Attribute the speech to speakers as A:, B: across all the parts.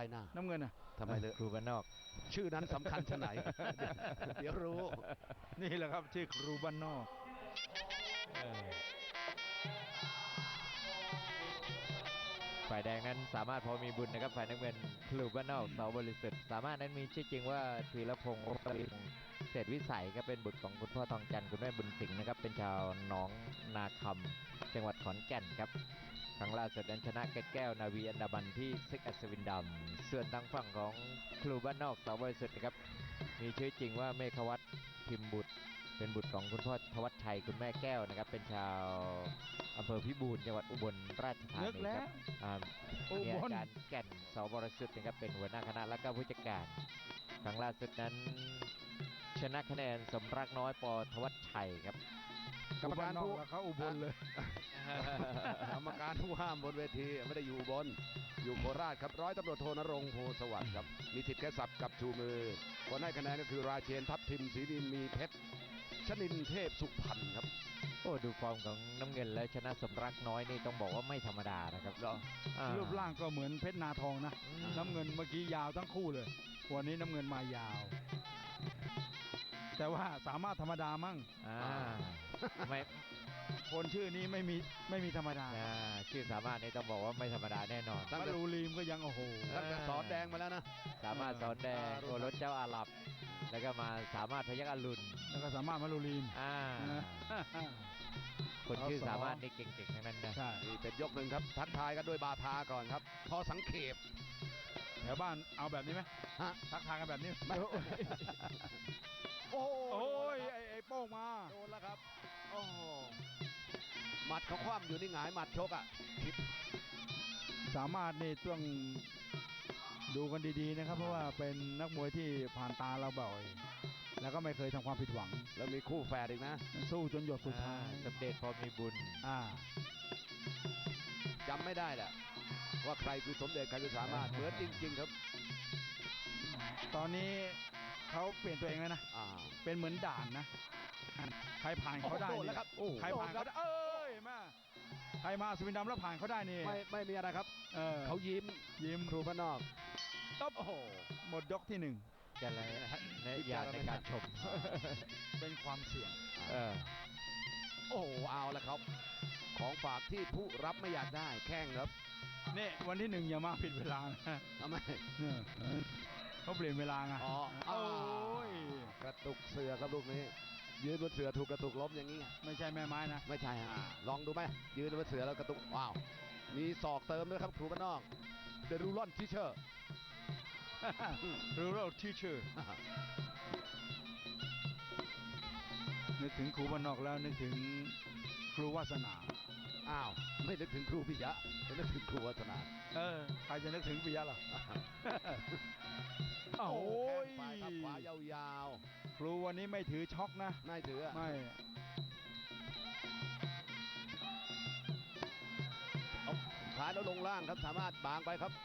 A: หน้า
B: น้ำเงินอ่ะ
A: ทำไมเลย
C: ครูบ้านนอก
A: ชื่อนั้นสำคัญชะไหน เดี๋ยวรู้
B: นี่แหละครับชื่อครูบ้านนอก
C: ฝ่ายแดงนั้นสามารถพอมีบุญนะครับฝ่ายน้ำเงินครูบ้านนอกเสาบริสุทธิ์สามารถนั้นมีชื่อจริงว่าธีรพงศ์เศรษฐวิสัยก็เป็นบุตรของคุณพ่อทองจันทร์คุณแม่บุญสิงห์นะครับเป็นชาวหนองนาคำจังหวัดขอนแก่นครับครั้งล่าสุดนั้นชนะแก้วนาวีอันดามันที่ซิกอัศวินดำส่วนทางฝั่งของครูบ้านนอกเสาบริสุทธิ์นะครับมีชื่อจริงว่าเมฆวัฒน์พิมพ์บุตรเป็นบุตรของคุณพ่อทวัชชัยคุณแม่แก้วนะครับเป็นชาวอำเภอพิบูลจังหวัดอุบลราชธานีครับมีอาจารย์แก่นเสาบริสุทธิ์นะครับเป็นหัวหน้าคณะและก็ผู้จัดการครั้งล่าสุดนั้นชนะคะแนนสมรักน้อยปทวัชชัยครับ
A: กรรมการผู้
B: เขาอุบลเลย
A: กรรมการผู้ห้ามบนเวทีไม่ได้อยู่อุบลอยู่โคราชครับร้อยตำรวจโทนรงค์โพสวัสดิ์ครับมีสิทธิ์แค่สับกับชูมือคนให้คะแนนก็คือราเชนทัพทิมศรีดินมีเพชรชนินเทพสุพรรณครับ
C: โอ้ดูฟอร์มของน้ำเงินและชนะสมรักน้อยนี่ต้องบอกว่าไม่ธรรมดานะครับ
B: รูปร่างก็เหมือนเพชรนาทองนะน้ำเงินเมื่อกี้ยาวทั้งคู่เลยวันนี้น้ำเงินมายาวแต่ว่าสามารถธรรมดามั่ง
C: ไม่
B: คนชื่อนี้ไม่มีธรรมดา
C: ชื่อสามารถนี่ต้องบอกว่าไม่ธรรมดาแน่นอน
B: มารูลีมก็ยังโอ้โห
A: ตั้งแต่สอนแดงมาแล้วนะ
C: สามารถสอนแดงโอรสเจ้าอาหรับแล้วก็มาสามารถพยัคฆ์อรุณ
B: แล้วก็สามารถมารูลีม
C: คนชื่อสามารถนี่เก่งๆทั้งนั้นนะ
A: ใช่นี่เป็นยกหนึ่งครับทักทายกันด้วยบาทาก่อนครับพอสังเขป
B: แถวบ้านเอาแบบนี้ไหมทักทายกันแบบนี้
A: ไม่
B: โอ้ยไอ้โป้งมา
A: โดนแล้วครับโอ้หมัดเขาคว่ำอยู่นี่หงายหมัดชกอ่ะ
B: สามารถนี่ต้องดูกันดีๆนะครับเพราะว่าเป็นนักมวยที่ผ่านตาเราบ่อยแล้วก็ไม่เคยทำความผิดหวัง
A: แล้วมีคู่แฝดอีกนะ
B: สู้จนหยดสุดท้าย
C: สำเร็จพอมีบุญ
A: จำไม่ได้แหละว่าใครคือสมเด็จใครคือสามารถเหมือนจริงๆครับ
B: ตอนนี้เขาเปลี่ยนตัวเองแล้วนะเป็นเหมือนด่านนะใครผ่านเขาได้
A: นี่
B: ใครผ่านเขาได้มาใครมาสวินดำแล้วผ่านเขาได้นี่
A: ไม่มีอะไรครับเขายิ้มครูบ้านนอก
B: ตบโอ้โหหมดยกที่หนึ่ง
C: จะอะไรอย่างในการชม
B: เป็นความเสี่ยง
A: โอ้เอาละครับของฝากที่ผู้รับไม่อยากได้แข้งครับ
B: นี่วันที่หนึ่งอย่ามาผิดเวลา
A: ทำไม
B: เขาเปลี่ยนเวลาไง
A: โอ้ยกระตุกเสือครับลูกนี้ยืนบนเสือถูกกระตุกล้มอย่างนี้
B: ไม่ใช่แม่ไม้นะ
A: ไม่ใช่ลองดูไหมยืนบนเสือแล้วกระตุกว้าวมีศอกเติมด้วยครับครูบ้านนอกเดรูลอนทิเชอร์
B: รูลอนทิเชอร์นึกถึงครูบ้านนอกแล้วนึกถึงครูวาสนา
A: ไม่นึกถึงครูปิยะจะนึกถึงครูวาสนา
B: ใครจะนึกถึงปิยะล่ะ
A: โอ้ยไปครับขวายาว
B: ๆครูวันนี้ไม่ถือช็อกนะ
A: ไม่ถือ
B: ไม่
A: ขาแล้วลงล่างครับสามารถบางไปครับ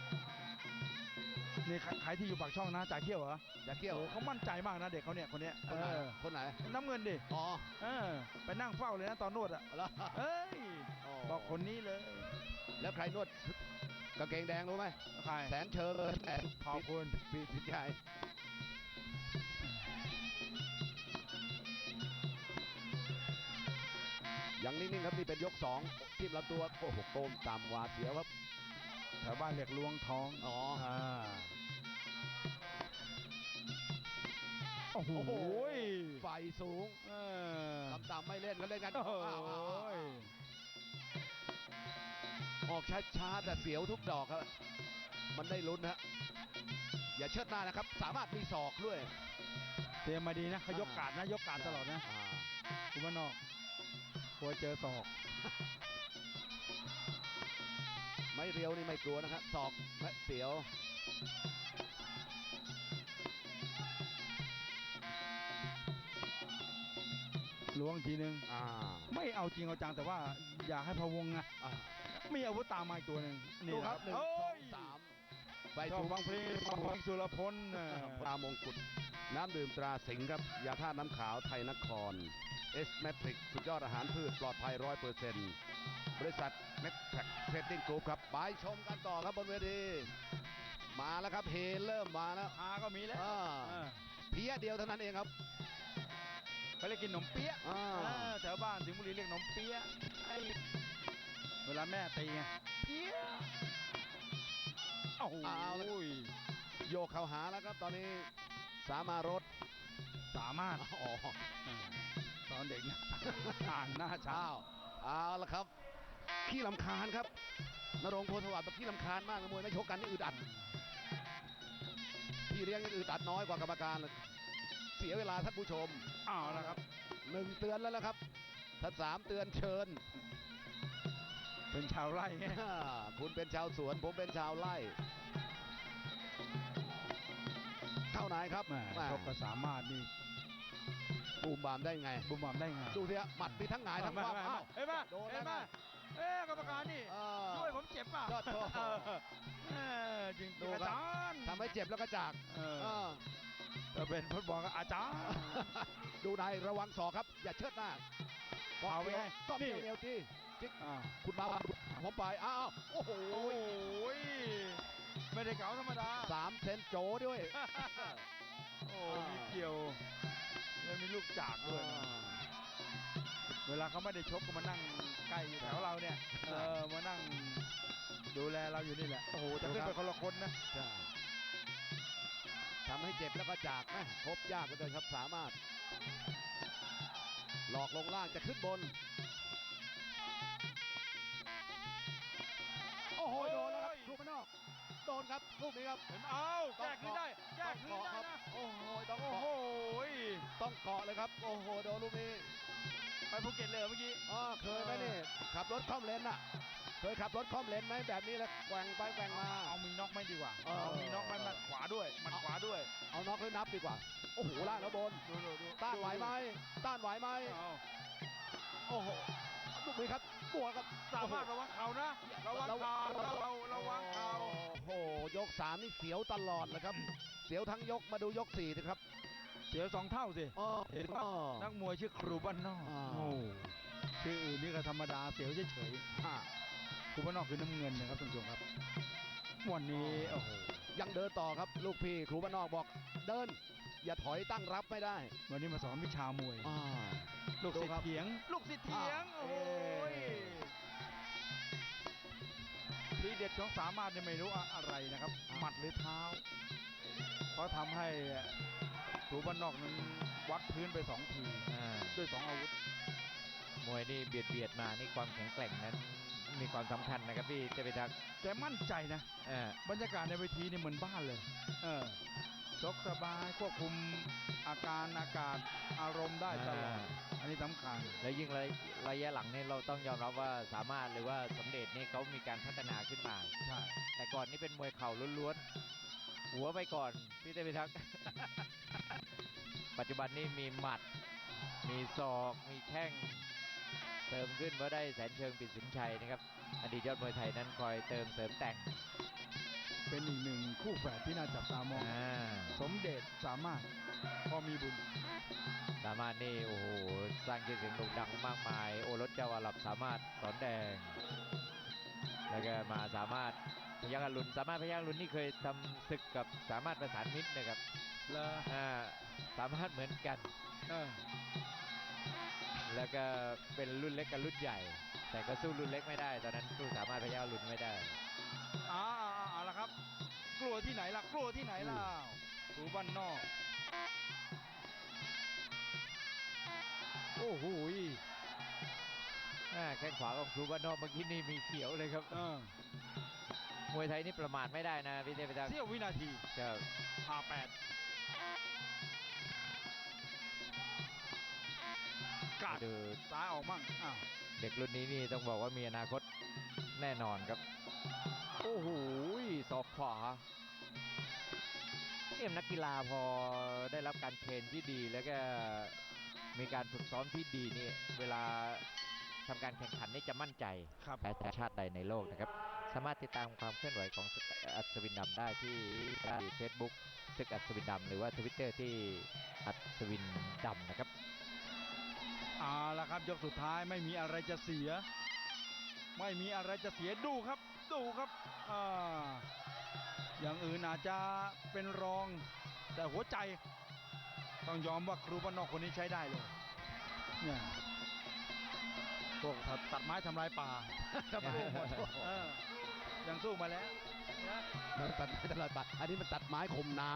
B: นี่ใครที่อยู่ปากช่องนะจ่าเขี้ยวเหรอ
A: จ่าเขี้ยว
B: เขามั่นใจมากนะเด็กเขาเนี่ยคนนี้
A: คนไหน
B: น้ำเงินดิไปนั่งเฝ้าเลยนะตอนนวดบอกคนนี้เลย
A: แล้วใครนวดกางเกงแดงรู้ไหม
B: ใคร
A: แสนเชิญ
B: ขอบคุณ
A: พี่พิชัยยังนิ่งๆครับนี่เป็นยก2ที่ลำตัวโอ้โหโกมต่ำหวาดเสียวครับ
B: แถวบ้านเรียกลวงท้องโอ้โห
A: ไฟสูงต่ำๆไม่เล่นกันเล่นกันออกช้าๆแต่เสียวทุกดอกครับมันได้ลุ้นฮะอย่าเชิดหน้านะครับสามารถมีศอกด้วย
B: เตรียมมาดีนะเขายกการนะยกการตลอดนะคุณบ้านนอกกลัวเจอศอก
A: ไม่เรียวนี่ไม่กลัวนะครับศอกและเสียว
B: ล้วงทีนึงไม่เอาจริงเอาจังแต่ว่าอยากให้พะวงนะมีอาวุธตามมาอีกตัวหนึ่ง
A: นี่ครับ1 2 3ไป
B: ถูกฟังเพลงสุรพล
A: ปลามงกุฎน้ำดื่มตราสิงห์ครับยาธาตุน้ำขาวไทยนครเอสเมทริกสุดยอดอาหารพืชปลอดภัย 100% บริษัทเมทริกเทรดดิ้งกรุ๊ปครับไปชมกันต่อครับบนเวทีแล้วครับเฮเริ่มมาแล้ว
B: ฮาก็มีแล้ว
A: อ่า
B: เออ
A: เพี้ยเดียวเท่านั้นเองครับ
B: เขาเรียกกินขนมเปี๊ยะ
A: อ่า
B: แถวบ้านสิงห์บุรีเรียกขนมเปี๊ยะไอ้เวลาแม่ตีไงเปี๊ยะโอ้โห
A: เอาละ โยกเข้าหาแล้วครับตอนนี้สามารถ
B: สามารถ
A: อ๋อ
B: ตอนเด็กนะ อ่านหน้าช้า
A: อ้าวเอาละครับขี้ลำคาญครับนรงค์โพธิ์สวัสดิ์แบบขี้ลำคาญมากนะมวยไม่ชกกันนี่อึดอัดพี่เลี้ยงยังอึดอัดน้อยกว่ากรรมการเลยเสียเวลาท่านผู้ชม
B: เอาละครับ
A: 1 เตือนแล้วนะครับถ้า3 เตือนเชิญ
B: เป็นชาวไร่ไง
A: คุณเป็นชาวสวนผมเป็นชาวไร่เข้าไหนครับ
B: แหม่
A: แหม่
B: ชกก็สามารถนี่
A: บูมบามได้ไง
B: บุมบามได้ไง
A: ดูสิฮะหมัดมีทั้งหงายทั้งคว่ำอ้าว
B: เห็นปะ
A: โดน
B: เห็น
A: แล้ว
B: ปะ
A: นะ
B: เอ๊ะกรรมการนี่
A: เออ
B: ช่วยผมเจ็บป่ะ
A: ยอดโทษ
B: จริง
A: ดู
B: ๆอา
A: ครับ
B: จารย์
A: ทำให้เจ็บแล้วก็จาก
B: เออ
A: เออ
B: ถ้าเป็นฟุตบอลก็อาจารย์
A: ดูในระวังศอกครับ อย่าเชิดหน้า
B: เอาไปไง
A: ก็เกี่ยว
B: นี่
A: เอวจี้จิ๊ก
B: อ้าว
A: คุณมาผมไปอ้าวโอ้โห
B: โอ้ยไม่ได้เก๋าธรรมดา
A: 3 เซนโจด้วย
B: โอ้มีเกี่ยวแล้วมีลูกจากด้วยนะเวลาเขาไม่ได้ชกก็มานั่งใกล้อยู่แถวเราเนี่ยมานั่งดูแลเราอยู่นี่แหละโอ้โหแต่ขึ้นไปคนละคนนะ
A: ใช่ทำให้เจ็บแล้วก็จากนะพบยากเหลือเกินครับสามารถ หลอกลงล่างจะขึ้นบน โอ้โหโดนแล้วครับลูกมันนอกโดนครับลูกนี้ครับ
B: เห็นเอาแก้คืนได้แก้คืนได้
A: ครับ
B: นะ
A: โอ้โหต้อง
B: โอ้
A: เกาะ
B: โห
A: ต้องเกาะเลยครับโอ้โหโดนลูกนี้
B: ไปภูเก็ตเลยเมื่อกี้
A: เคยไหมนี่ขับรถคล่อมเลนน่ะ เคยขับรถคล่อมเลนไหมแบบนี้แล้วแกว่งไปแกว่งมา
B: เอามีน็อกไหมดีกว่า
A: เออ
B: เอามีน็อกไหมหมัดขวาด้วยหมัดขวาด้วย
A: เอาน็อกหรือนับดีกว่า โอ้โหล่างแล้วบน
B: ดู
A: ต้านไหวไหมต้านไหวไหม
B: เอา
A: โอ้โหลูกนี้ครับบวกครับ
B: สามารถระวังเข่านะระวังเข่าระวังเข่า
A: โอ้โหยก 3 นี่เสียวตลอดเลยครับ เสียวทั้งยกมาดูยก4นะครับ
B: เสีย2 เท่าสิ
A: อ๋อ
B: เห็นว่านักมวยชื่อครูบ้านนอก
A: อ่า
B: โอ้ชื่ออื่นนี่ก็ธรรมดาเสียวเฉย
A: อ่า
B: ๆครูบ้านนอกคือน้ำเงินนะครับท่านผู้ชมครับวันนี้โอ้โห
A: ยังเดินต่อครับ ลูกพี่ครูบ้านนอกบอกเดิน อย่าถอยตั้งรับไม่ได้
B: วันนี้มาสอนวิชามวย
A: อ่า
B: ลูกศิษ
A: ดูครั
B: ย์
A: บ
B: เถียง ลูกศิษย์เถียง
A: อ่า
B: โอ้ยทีเด็ดของสามารถเนี่ยไม่รู้อะไรนะครับ หมัดหรือเท้า เพราะทำให้ครูบ้านนอกนั้นวัดพื้นไป2 ที ด้วย2 อาวุธ
C: มวยนี่เบียดมานี่ความแข็งแกร่งนั้นมีความสำคัญนะครับพี่เทพิทักษ์
B: แกมั่นใจนะ บรรยากาศในเวทีนี่เหมือนบ้านเลย ชกสบายควบคุมอาการอากาศอารมณ์ได้ตลอด อันนี้สำคัญ
C: แล้วยิ่งระยะหลังนี่เราต้องยอมรับว่าสามารถหรือว่าสมเด็จนี่เขามีการพัฒนาขึ้นมา
B: ใช่
C: แต่ก่อนนี่เป็นมวยเข่าล้วนๆหัวไปก่อนพี่เทพิทักษ์ ปัจจุบันนี่มีหมัด มีศอกมีแข้งเติมขึ้นเพราะได้แสนเชิงปิดสินชัยนะครับอดีตยอดมวยไทยนั้นคอยเติมเสริมแต่ง
B: เป็นอีกหนึ่งคู่แฝดที่น่าจับตามอง สมเด็จสามารถพอมีบุญ
C: สามารถนี่โอ้โหสร้างชื่อเสียงโด่งดังมากมายโอรสเจ้าอาหรับสามารถสอนแดง แล้วก็มาสามารถพยัคฆ์อรุณสามารถพยัคฆ์อรุณนี่เคยทำศึกกับสามารถประสานมิตรนะครับ
B: แล้ว
C: สามารถเหมือนกัน แล้วก็เป็นรุ่นเล็กกับรุ่นใหญ่ แต่ก็สู้รุ่นเล็กไม่ได้ตอนนั้นสู้สามารถพยัคฆ์อรุณไม่ได้
B: เอาละครับ กลัวที่ไหนล่ะ กลัวที่ไหนล่ะครูบ้านนอก
C: โอ้โหแข้งขวาของครูบ้านนอกเมื่อกี้นี่มีเขียวเลยครับมวยไทยนี่ประมาทไม่ได้นะพี่เทพทักษ์
B: เสี้ยววินาที
C: ครับ
B: 58กาด
C: ดู
B: ซ้ายออกมั่งอ้าว
C: เด็กรุ่นนี้นี่ต้องบอกว่ามีอนาคตแน่นอนครับ โอ้โหศอกขวาเนี่ยนักกีฬาพอได้รับการเทรนที่ดีแล้วก็มีการฝึกซ้อมที่ดีนี่เวลาทำการแข่งขันนี่จะมั่นใจ
B: ครับ
C: แพ้ชาติใดในโลกนะครับ สามารถติดตามความเคลื่อนไหวของศึกอัศวินดำได้ที่เฟซบุ๊กศึกอัศวินดำหรือว่าทวิตเตอร์ที่อัศวินดำนะครับ
B: เอาละครับยกสุดท้ายไม่มีอะไรจะเสีย ไม่มีอะไรจะเสียดูครับ ดูครับอย่างอื่นอาจจะเป็นรอง แต่หัวใจต้องยอมว่าครูบ้านนอกคนนี้ใช้ได้เลยเนี่ยพวกตัดไม้ทำลายป่า
A: ครับ
B: สู้หมดยังสู้มาแล้วนะ
A: มันตัดไม้ตลอดปัดอันนี้มันตัดไม้ข่มน้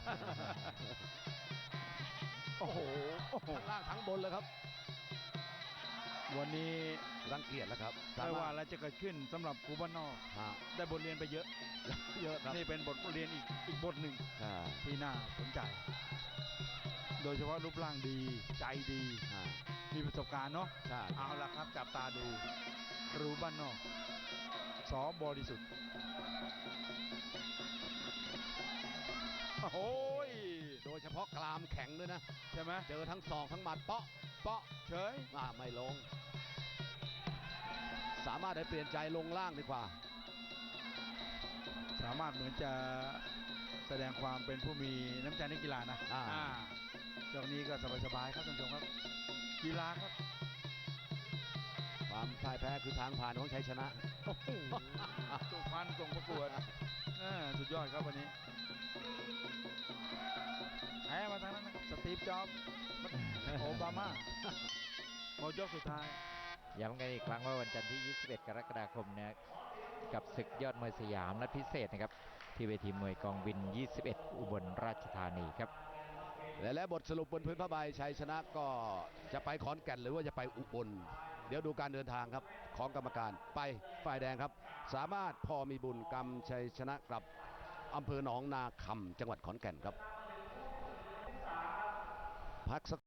B: โอ้โห
A: ำทั้งล่างทั้งบนเลยครับ
B: วันนี้
A: รังเกียจแล้วครับ
B: ไม่ว่าอะไรจะเกิดขึ้นสำหรับครูบ้านนอก
A: ฮะ
B: ได้บทเรียนไปเยอะ
A: เยอะครับ
B: นี่เป็นบทเรียนอีกบทหนึ่ง
A: ใช่
B: ที่น่าสนใจ โดยเฉพาะรูปร่างดีใจดี
A: ฮะ
B: มีประสบการณ์เนาะ
A: ใช่
B: เอาละครับจับตาดูครูบ้านนอกสอบริสุทธิ์โอ้ย
A: โดยเฉพาะกรามแข็งด้วยนะ
B: ใช่ไหม
A: เจอทั้งศอกทั้งหมัดเปาะเปาะ
B: เฉย
A: ไม่ลง สามารถได้เปลี่ยนใจลงล่างดีกว่า
B: สามารถเหมือนจะแสดงความเป็นผู้มีน้ำใจในกีฬานะ ยกนี้ก็สบายๆครับท่านผู้ชมครับ กีฬาครับ
A: ความพ่ายแพ้คือทางผ่านของชัยชนะ
B: โอ้โหสุพรรณส่งประกวดสุดยอดครับวันนี้แพ้มาทางนั้นนะครับสตีฟจ็อบส์โอบามาหมดยกสุดท้าย
C: ย้ำกันอีกครั้งว่าวันจันทร์ที่ 21 กรกฎาคมนะกับศึกยอดมวยสยามนัดพิเศษนะครับที่เวทีมวยกองบิน 21 อุบลราชธานีครับ
A: และบทสรุปบนพื้นผ้าใบชัยชนะก็จะไปขอนแก่นหรือว่าจะไปอุบลเดี๋ยวดูการเดินทางครับของกรรมการไปฝ่ายแดงครับ สามารถพอมีบุญกำชัยชนะกับอำเภอหนองนาคำจังหวัดขอนแก่นครับพักสัก